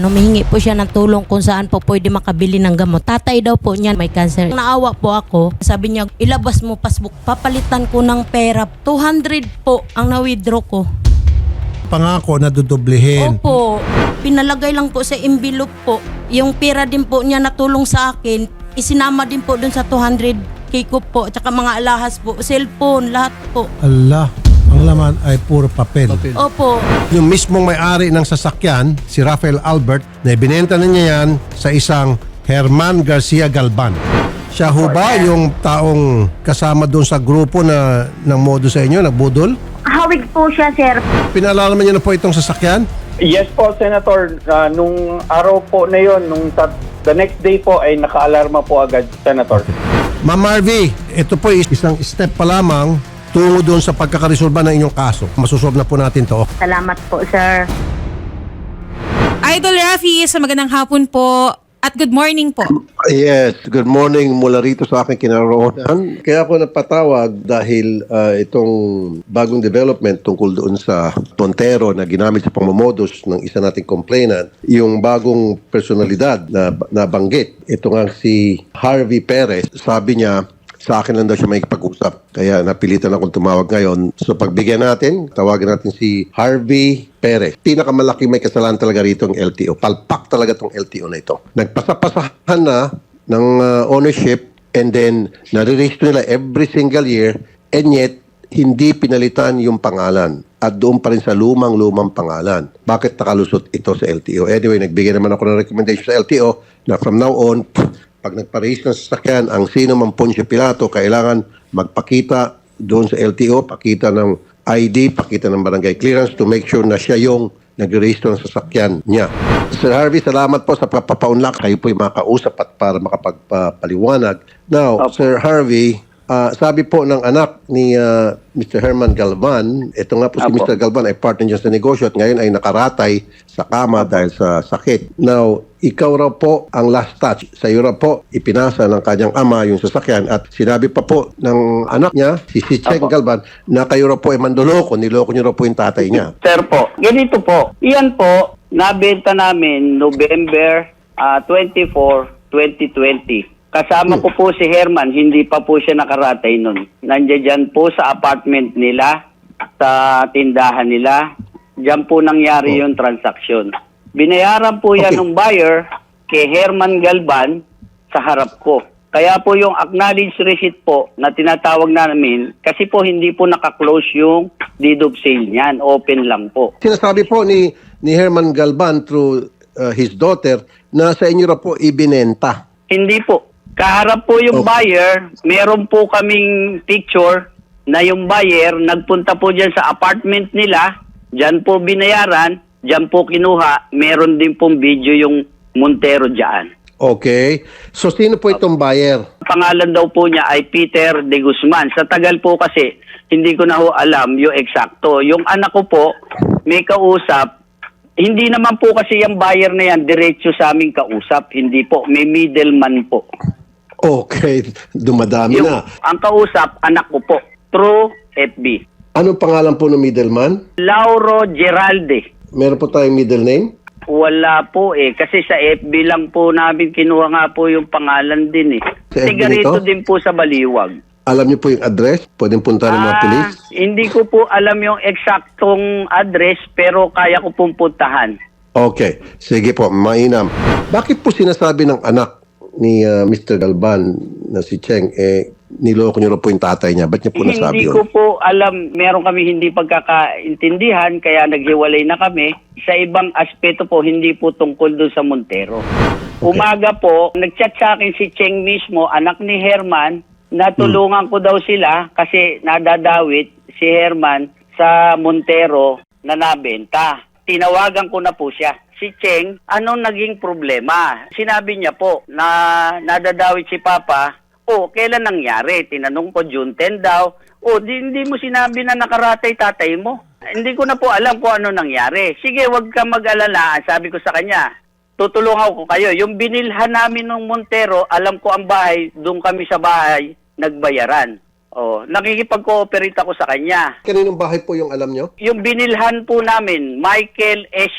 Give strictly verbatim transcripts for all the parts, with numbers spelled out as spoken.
humihingi po siya ng tulong kung saan po pwede makabili ng gamot. Tatay daw po niya may cancer. Naawa po ako. Sabi niya, ilabas mo passbook. Papalitan ko ng pera. two hundred po ang na-withdraw ko. Pangako na dudublihin. Opo. Pinalagay lang po sa envelope po. Yung pera din po niya natulong sa akin, isinama din po dun sa two hundred K ko po. Tsaka mga alahas po, cellphone, lahat po. Allah, ang laman ay puro papel. Opo. Yung mismong may-ari ng sasakyan, si Rafael Albert, na ibinenta na niya yan sa isang Herman Garcia Galban. Siya ho ba yung taong kasama doon sa grupo na ng modo sa inyo, nagbudol? Hawig po siya, sir. Pinaalala niyo na po itong sasakyan? Yes po, Senator. Uh, nung araw po na yon, nung tat- the next day po ay naka-alarma po agad, Senator. Ma'am Marvy, ito po isang step pa lamang tungo doon sa pagkakaresolba ng inyong kaso. Masusolve na po natin to. Salamat po, sir. Idol Rafi, sa magandang hapon po at good morning po. Yes, good morning mula rito sa aking kinaroonan. Kaya ako napatawag dahil uh, itong bagong development tungkol doon sa Montero na ginamit sa pangmamodus ng isa nating complainant, yung bagong personalidad na nabanggit. Ito nga si Harvey Perez, sabi niya, sa akin lang daw siya may pag-usap. Kaya napilitan akong tumawag ngayon. So pagbigyan natin, tawagan natin si Harvey Perez. Pinakamalaki may kasalanan talaga rito ang L T O. Palpak talaga tong L T O na ito. Nagpasapasahan na ng uh, ownership and then nare-register nila every single year and yet hindi pinalitan yung pangalan. At doon pa rin sa lumang-lumang pangalan. Bakit nakalusot ito sa L T O? Anyway, nagbigay naman ako ng recommendation sa L T O na from now on, pag nagparehis ng sasakyan, ang sino mang Poncio Pilato, kailangan magpakita doon sa L T O, pakita ng I D, pakita ng barangay clearance to make sure na siya yung nag-register ng sasakyan niya. Sir Harvey, salamat po sa papapaunlak. Kayo po yung makausap at para makapagpaliwanag. Now, Opo. Sir Harvey, uh, sabi po ng anak ni uh, Mister Herman Galvan, ito nga po si Opo. Mister Galvan ay partner niya sa negosyo at ngayon ay nakaratay sa kama dahil sa sakit. Now, ikaw raw po ang last touch. Sa iyo raw po ipinasa ng kanyang ama yung sasakyan at sinabi pa po ng anak niya, si si Cheng Opo. Galvan, na kayo raw po ay mandoloko, niloko niyo raw po yung tatay niya. Sir po, ganito po. Iyan po, nabenta namin November uh, twenty-fourth, twenty twenty. Kasama ko po si Herman, hindi pa po siya nakaratay nun. Nandiyan dyan po sa apartment nila, sa tindahan nila. Diyan po nangyari yung transaksyon. Binayaran po yan Okay. ng buyer kay Herman Galban sa harap ko. Kaya po yung acknowledged receipt po na tinatawag namin, kasi po hindi po nakaklose yung deed of sale niyan. Open lang po. Sinasabi po ni ni Herman Galvan through uh, his daughter na sa inyo raw po ibinenta. Hindi po. Kaharap po yung Okay. buyer, meron po kaming picture na yung buyer nagpunta po dyan sa apartment nila, dyan po binayaran, dyan po kinuha, meron din pong video yung Montero dyan. Okay. So sino po itong buyer? Pangalan daw po niya ay Peter de Guzman. Sa tagal po kasi, hindi ko na ho alam yung eksakto. Yung anak ko po, may kausap, hindi naman po kasi yung buyer na yan, diretso sa aming kausap. Hindi po, may middleman po. Okay. Dumadami Yung, na. ang kausap, anak ko po, through F B. Anong pangalan po ng middleman? Lauro Geralde. Meron po tayong middle name? Wala po eh. Kasi sa F B lang po namin kinuha nga po yung pangalan din eh. Sa F B Sigarito nito? din po sa Baliwag. Alam niyo po yung address? Pwedeng punta ng mga Ah, police? hindi ko po alam yung eksaktong address pero kaya ko pong puntahan. Okay. Sige po, mainam. Bakit po sinasabi ng anak ni uh, Mister Galvan na si Cheng, eh, niloko niyo na po yung tatay niya? Ba't niya po nasabi Hindi yun? ko po alam, meron kami hindi pagkakaintindihan kaya naghiwalay na kami. Sa ibang aspeto po, hindi po tungkol doon sa Montero. Umaga po, nagchat sa akin si Cheng mismo, anak ni Herman, natulungan ko daw sila kasi nadadawit si Herman sa Montero na nabenta. Tinawagan ko na po siya. Si Cheng, anong naging problema? Sinabi niya po na nadadawit si Papa. O, kailan nangyari? Tinanong ko, June tenth daw. O, di, hindi mo sinabi na nakaratay tatay mo. Hindi ko na po alam kung ano nangyari. Sige, wag ka mag-alala. Sabi ko sa kanya, tutulungan ko kayo. Yung binilhan namin ng Montero, alam ko ang bahay, doon kami sa bahay, nagbayaran. O, nakikipag-cooperate ako sa kanya. Kaninong bahay po yung alam niyo? Yung binilhan po namin, Michael Esio.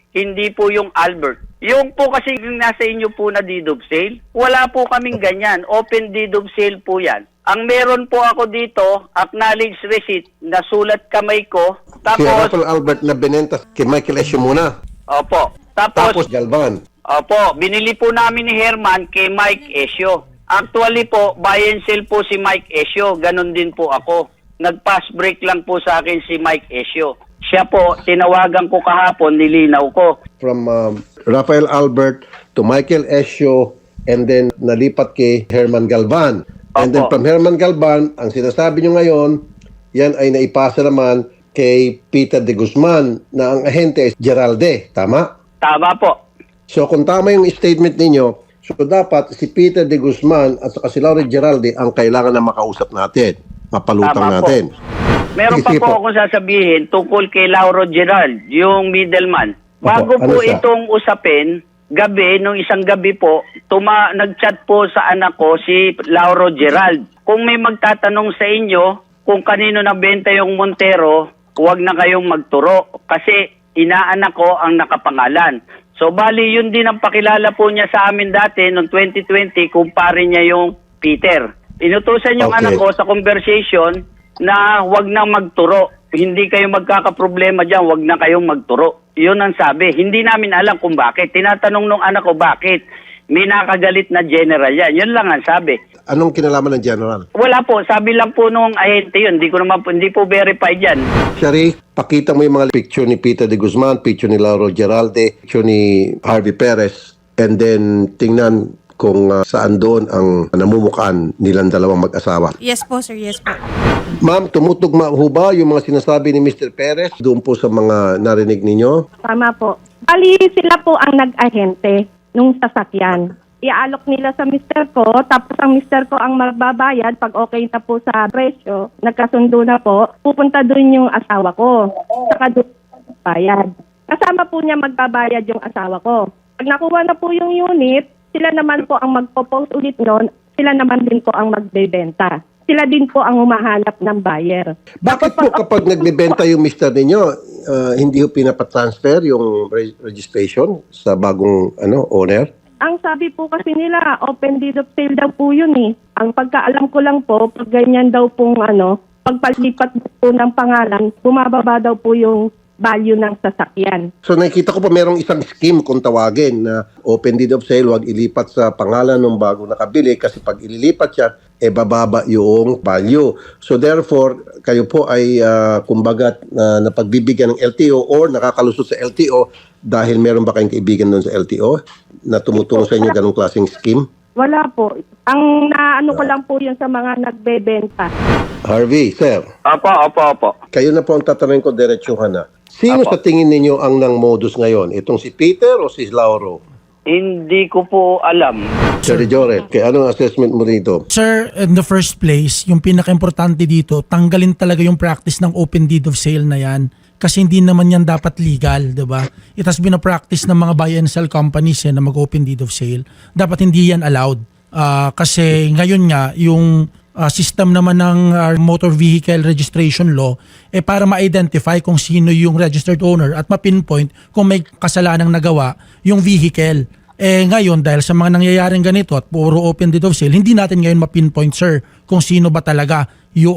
hindi po yung Albert. Yung po kasi yung nasa inyo po na deed of sale, wala po kaming ganyan. Open deed of sale po yan. Ang meron po ako dito, acknowledged receipt, nasulat kamay ko, Si tapos, Rafael Albert na binenta kay Michael Esio muna. opo, Tapos tapos, Galvan. opo, binili po namin ni Herman kay Mike Esio. Actually po, buy and sell po si Mike Esio, ganun din po ako. Nag-pass break lang po sa akin si Mike Esio. Siya po, tinawagan ko kahapon, nilinaw ko. From um, Rafael Albert to Michael Esio and then nalipat kay Herman Galvan. And then Opo. from Herman Galvan, ang sinasabi nyo ngayon, yan ay naipasa naman kay Peter de Guzman na ang ahente ay Geralde. Tama? Tama po. So kung tama yung statement ninyo, so dapat si Peter de Guzman at saka si Laura Geralde ang kailangan na makausap natin. Mapalutang Tama po. natin. Meron Sige, pa sige po po. akong sasabihin tungkol kay Lauro Gerald, yung middleman. Bago Opo, ano po siya? itong usapin, gabi, nung isang gabi po, tuma nag-chat po sa anak ko si Lauro Gerald. Kung may magtatanong sa inyo kung kanino nabenta yung Montero, huwag na kayong magturo kasi inaanak ko ang nakapangalan. So bali yun din ang pakilala po niya sa amin dati noong twenty twenty, kumpare niya yung Peter. Inutusan yung Okay. anak ko sa conversation na huwag na magturo. Hindi kayo magkakaproblema dyan, huwag na kayong magturo. Yun ang sabi. Hindi namin alam kung bakit. Tinatanong nung anak ko bakit. May nakagalit na general yan. Yun lang ang sabi. Anong kinalaman ng General? Wala po. Sabi lang po nung ahente yun. Hindi ko naman po, hindi po verified yan. Shari, pakita mo yung mga picture ni Peter de Guzman, picture ni Lauro Geralde, picture ni Harvey Perez, and then tingnan kung uh, saan doon ang namumukaan nilang dalawang mag-asawa. Yes po, sir. Yes po. Ma'am, tumutugma ho ba yung mga sinasabi ni Mister Perez doon po sa mga narinig ninyo? Tama po. Bali, sila po ang nag-ahente nung sasakyan. Iaalok nila sa mister ko, tapos ang mister ko ang magbabayad pag okay na po sa presyo, nagkasundo na po, pupunta doon yung asawa ko. Saka doon bayad. Kasama po niya magbabayad yung asawa ko. Pag nakuha na po yung unit, sila naman po ang magpo-post ulit noon, sila naman din po ang magbebenta. Sila din po ang humahanap ng buyer. Bakit po kapag nagbebenta yung mister ninyo, uh, hindi ho pinapatransfer yung re- registration sa bagong ano owner? Ang sabi po kasi nila, open deed of sale daw po yun eh. Ang pagkaalam ko lang po, pag ganyan daw pong ano, pagpalipat po ng pangalan, bumababa daw po yung value ng sasakyan. So nakikita ko po merong isang scheme kung tawagin na open deed of sale, wag ilipat sa pangalan ng bago nakabili kasi pag ililipat siya, e bababa yung value. So therefore, kayo po ay uh, kumbaga na napagbibigyan ng L T O or nakakalusot sa L T O dahil meron ba kayong kaibigan doon sa L T O na tumutulong sa inyo ganong klaseng scheme? Wala po. Ang naano ko lang po yun sa mga nagbebenta. Harvey, sir, Opo, opo, opo. kayo na po ang tatanungin ko diretsuhan na. Sino Apo. sa tingin ninyo ang nang modus ngayon? Itong si Peter o si Lauro? Hindi ko po alam. Sir Joret, kaya anong assessment mo rito? Sir, in the first place, yung pinaka-importante dito, tanggalin talaga yung practice ng open deed of sale na yan. Kasi hindi naman yan dapat legal, di ba? It has been a practice ng mga buy and sell companies yan na mag-open deed of sale. Dapat hindi yan allowed. Ah, kasi ngayon nga, yung ah, system naman ng ah, motor vehicle registration law, eh para ma-identify kung sino yung registered owner at ma-pinpoint kung may kasalanang nagawa yung vehicle. Eh ngayon, dahil sa mga nangyayaring ganito at puro open deed of sale, hindi natin ngayon ma-pinpoint, sir, kung sino ba talaga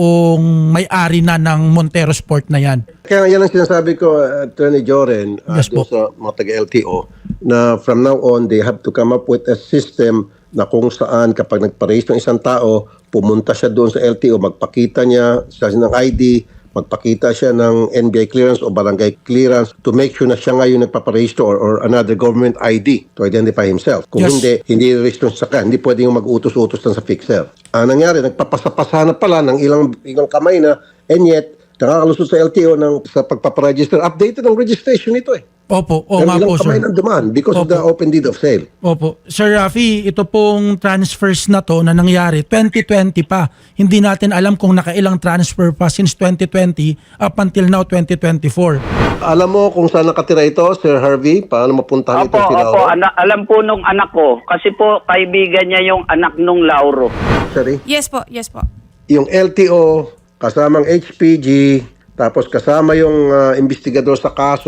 yung may-ari na ng Montero Sport na yan. Kaya yan ang sinasabi ko, uh, Attorney Joren, uh, Yes dun po. sa mga taga-L T O, na from now on, they have to come up with a system na kung saan kapag nagpa-raise ng isang tao, pumunta siya doon sa L T O, magpakita niya sa ng I D, magpakita siya ng N B I clearance o barangay clearance to make sure na siya ngayon nagpaparegister or, or another government I D to identify himself. Kung Yes. hindi, hindi register sa kanya, hindi pwede yung mag-utos-utos lang sa fixer. Ang nangyari, nagpapasapasa na pala ng ilang, ilang kamay na, and yet, nakakalusot sa L T O ng, sa pagpaparegister. Updated ang registration nito eh. Opo, o Pero nga ilang po, kamay sir. ng dumaan because of Opo. the open deed of sale. Opo. Sir Rafi, ito pong transfers na to na nangyari twenty twenty pa. Hindi natin alam kung nakailang transfer pa since twenty twenty up until now twenty twenty-four. Alam mo kung saan nakatira ito, Sir Harvey? Paano mapuntahan ito Opo, si opo. Lauro? Ana- alam po nung anak ko, kasi po kaibigan niya yung anak nung Lauro. Sorry? Yes po, yes po. Yung L T O, kasamang H P G, tapos kasama yung ah, investigador sa kaso,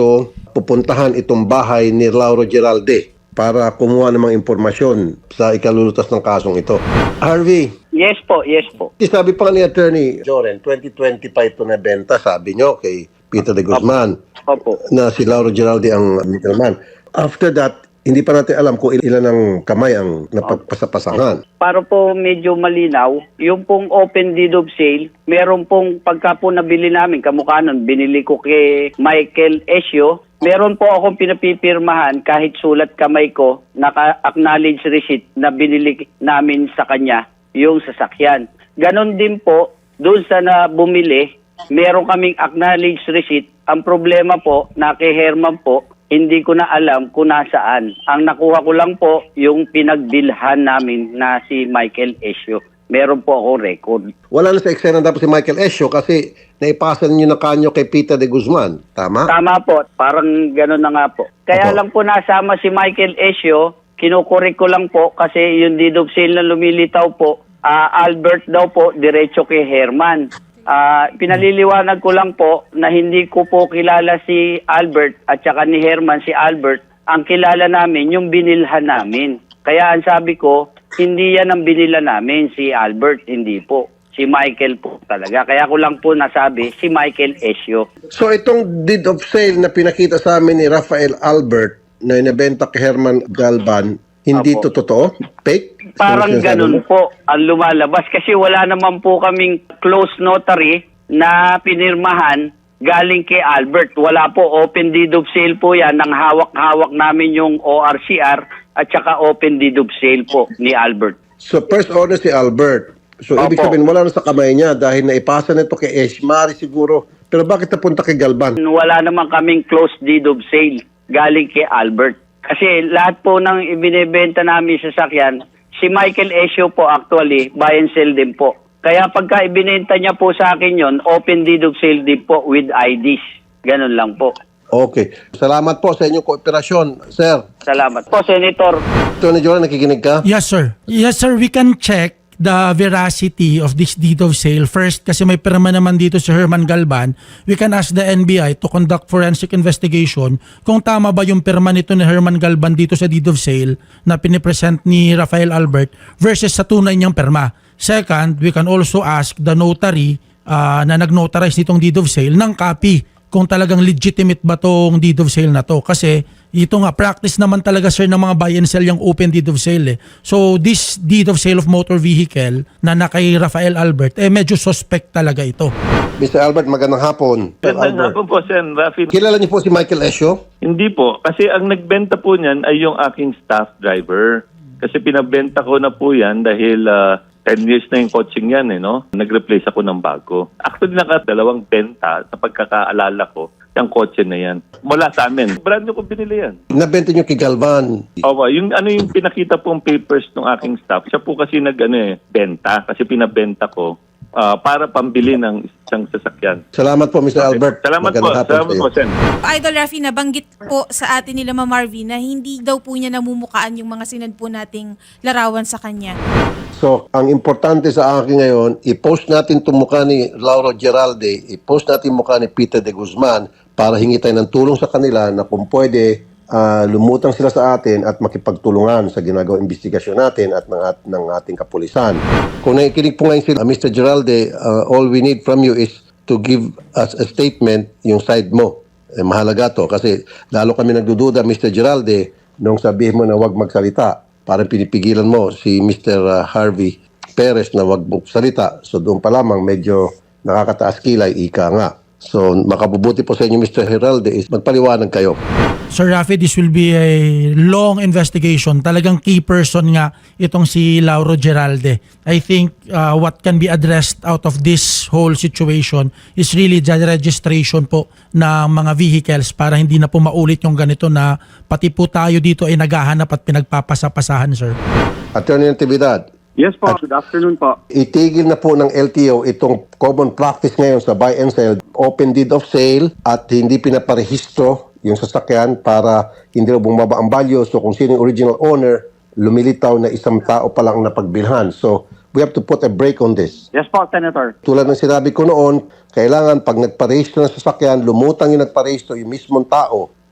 pupuntahan itong bahay ni Lauro Geralde para kumuha ng mga impormasyon sa ikalulutas ng kasong ito. Harvey, Yes po, yes po. sabi pa ni Attorney Joren, twenty twenty-five ito na benta, sabi nyo kay Peter de Guzman Opo. na si Lauro Geralde ang middleman. After that, hindi pa natin alam kung ilan ang kamay ang napagpasapasahan. Para po medyo malinaw, yung pong open deed of sale, meron pong pagka po nabili namin, kamukha nun, binili ko kay Michael Esio, meron po akong pinapipirmahan kahit sulat kamay ko, naka-acknowledge receipt na binili namin sa kanya yung sasakyan. Ganon din po, doon sa na bumili, meron kaming acknowledge receipt. Ang problema po, na kay Herman po, hindi ko na alam kung nasaan. Ang nakuha ko lang po, yung pinagbilhan namin na si Michael Esio. Meron po akong record. Wala na sa eksena dapat si Michael Esio kasi naipasa niyo na kanyo kay Peter de Guzman. Tama? Tama po, parang gano'n na nga po. Kaya Opo. lang po nasama si Michael Esio, kinukurik ko lang po kasi yung deed of sale na lumilitaw po, ah, Albert daw po, diretso kay Herman. Ah, pinaliliwanag ko lang po na hindi ko po kilala si Albert at saka ni Herman si Albert. Ang kilala namin yung binilhan namin. Kaya ang sabi ko, hindi yan ang binila namin, si Albert, hindi po. Si Michael po talaga. Kaya ko lang po nasabi, si Michael Esio. So itong deed of sale na pinakita sa amin ni Rafael Albert na inabenta kay Herman Galban, hindi Apo. to totoo? Fake? Parang Sinasabi ganun mo? po ang lumalabas kasi wala naman po kaming close notary na pinirmahan galing kay Albert. Wala po, open deed of sale po yan. Nang hawak-hawak namin yung O R C R at saka open deed of sale po ni Albert. So first order si Albert. So ibig Opo. sabihin wala na sa kamay niya dahil naipasa nito kay Eshmari siguro. Pero bakit napunta kay Galban? Wala naman kaming close deed of sale galing kay Albert. Kasi lahat po ng ibinebenta namin sa sasakyan, si Michael Esio po actually, buy and sell din po. Kaya pagka ibinenta niya po sa akin yon, open deed of sale din po with I Ds. Ganun lang po. Okay. Salamat po sa inyong kooperasyon, sir. Salamat po, Senator. Tony Joran, nakikinig ka? Yes, sir. Yes, sir. We can check the veracity of this deed of sale. First, kasi may pirma naman dito si Herman Galban, we can ask the N B I to conduct forensic investigation kung tama ba yung pirma nito ni Herman Galban dito sa deed of sale na pinipresent ni Rafael Albert versus sa tunay niyang pirma. Second, we can also ask the notary uh, na nag-notarize nitong deed of sale ng copy kung talagang legitimate ba tong deed of sale na to. Kasi ito nga, practice naman talaga sir ng mga buy and sell yung open deed of sale eh. So this deed of sale of motor vehicle na nakay Rafael Albert, eh medyo suspect talaga ito. mister Albert, magandang hapon. Sir Magandang Albert. hapon po, Sen. Rafi. Kilala niyo po si Michael Esio? Hindi po. Kasi ang nagbenta po niyan ay yung aking staff driver. Kasi pinabenta ko na po yan dahil ah, ten years na yung coaching yan, eh, no? Nag-replace ako ng bago. Actually, nakadalawang benta sa pagkakaalala ko, yung kotse na yan. Mula sa amin. Brand new ko binili yan. Nabenta niyo kay Galvan. Opo, yung ano yung pinakita pong papers ng aking staff, siya po kasi nag ano eh, benta. Kasi pinabenta ko ah, para pambili ng isang sasakyan. Salamat po, mister Albert. Salamat po. Magandang hapon Salamat sa iyo. po, Sen. Idol Rafi, nabanggit po sa atin nila Ma'am Marvin na hindi daw po niya namumukaan yung mga sinad po nating larawan sa kanya. So, ang importante sa akin ngayon, i-post natin itong mukha ni Lauro Geralde, i-post natin yung mukha ni Peter de Guzman para hingi tayo ng tulong sa kanila na kung pwede, ah, lumutang sila sa atin at makipagtulungan sa ginagawang investigasyon natin at ng, at ng ating kapulisan. Kung nakikinig po ngayon sila, mister Geralde, ah, all we need from you is to give us a statement yung side mo. Eh, mahalaga to kasi lalo kami nagdududa, mister Geralde, nung sabihin mo na wag magsalita. Parang pinipigilan mo si mister uh, Harvey Perez na wag magsalita. So doon pa lamang medyo nakakataas kilay, ika nga. So makabubuti po sa inyo mister Geralde is magpaliwanag kayo. Sir Rafi, this will be a long investigation. Talagang key person nga itong si Lauro Geralde. I think uh, what can be addressed out of this whole situation is really the registration po ng mga vehicles para hindi na po maulit yung ganito na pati po tayo dito ay naghahanap at pinagpapasapasahan, sir. Attorney Natividad, Yes po, good afternoon po. itigil na po ng L T O itong common practice ngayon sa buy and sell, open deed of sale at hindi pinaparehistro yung sasakyan para hindi na bumaba ang value. So kung sino yung original owner, lumilitaw na isang tao pa lang na pagbilhan. So we have to put a break on this. Yes po, Senator. Tulad ng sinabi ko noon, kailangan pag nagparehistro ng sasakyan, lumutang yung nagparehistro yung mismong tao,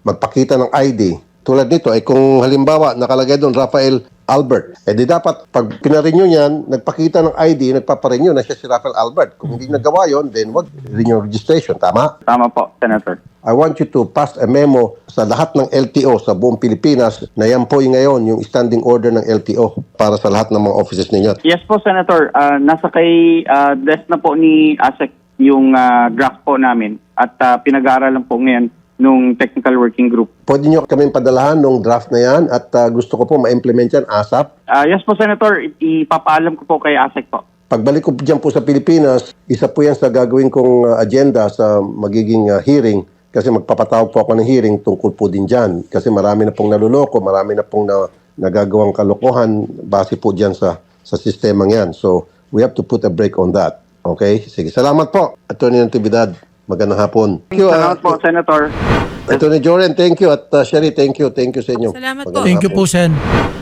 magpakita ng I D. Tulad nito, ay kung halimbawa nakalagay doon Rafael Albert, eh di dapat pag pinarenew niyan, nagpakita ng I D, nagpaparenew na siya si Rafael Albert. Kung hindi nagawa yon, then wag renew registration. Tama? Tama po, Senator. I want you to pass a memo sa lahat ng L T O sa buong Pilipinas na yan po yung ngayon, yung standing order ng L T O para sa lahat ng mga offices ninyo. Yes po, Senator. Ah, nasa kay ah, desk na po ni ASEC yung ah, draft po namin at ah, pinag-aaralan po ngayon nung technical working group. Pwede nyo kami padalahan nung draft na yan at uh, gusto ko po ma-implement yan ASAP. Ah, yes po, Senator. I- ipapaalam ko po kay ASEC po. Pagbalik ko dyan po sa Pilipinas, isa po yan sa gagawin kong uh, agenda sa magiging uh, hearing kasi magpapatawag po ako ng hearing tungkol po din dyan. Kasi marami na pong naluloko, marami na pong na, nagagawang kalokohan base po dyan sa, sa sistemang yan. So, we have to put a break on that. Okay? Sige. Salamat po, Attorney Natividad. Magandang hapon. Thank you, Salamat po, Senator. Attorney Joren, thank you. At uh, Sherry, thank you. Thank you sa inyo. Salamat po. Magandang Thank you hapon. po, Sen.